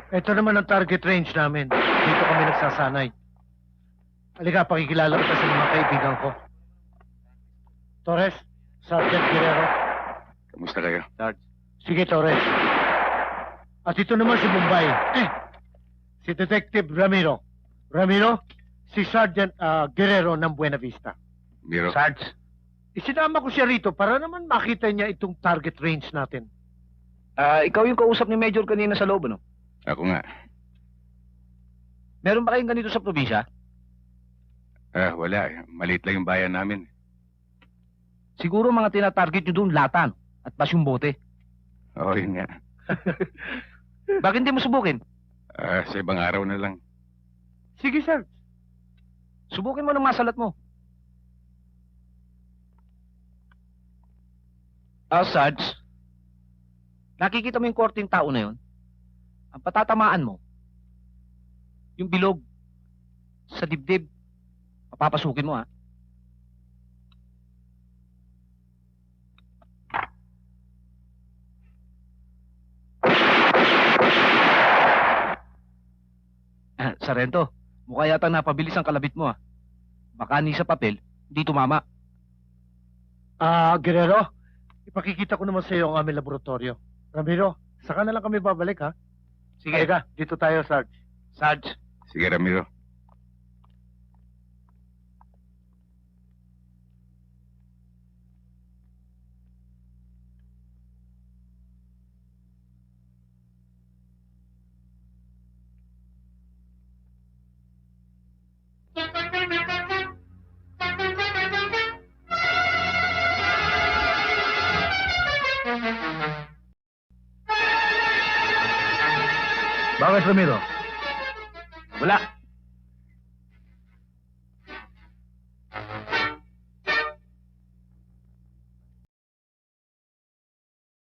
Ito naman ang target range namin. Dito kami nagsasanay. Halika, pakikilala kita sa mga kaibigan ko. Torres, Sergeant Guerrero. Kamusta kayo? Sarge. Sige, Torres. At ito naman si Bombay. Si Detective Ramiro. Ramiro, si Sergeant Guerrero ng Buena Vista. Miro? Sarge. Isinama ko siya rito para naman makita niya itong target range natin. Ikaw yung kausap ni Major kanina sa loob, ano? Ako nga. Meron ba kayong ganito sa probinsya? Wala eh. Maliit lang yung bayan namin. Siguro mga tinatarget nyo doon latan at pasyong bote. Oo, yun nga. Bakit hindi mo subukin? Sa ibang araw na lang. Sige, sir. Subukin mo ng masalat mo. Sarge, nakikita mo yung korting tao na yun? Ang patatamaan mo, yung bilog sa dibdib, papapasukin mo, ha? Sarento, mukha yata napabilis ang kalabit mo, ha? Baka ni sa papel, hindi tumama. Guerrero, ipakikita ko naman sa iyo ang aming laboratorio. Ramiro, saka na lang kami babalik, ha? Sige. Halika, dito tayo, Sarge. Sarge. Sige, Ramiro. Bakit, Ramiro? Wala.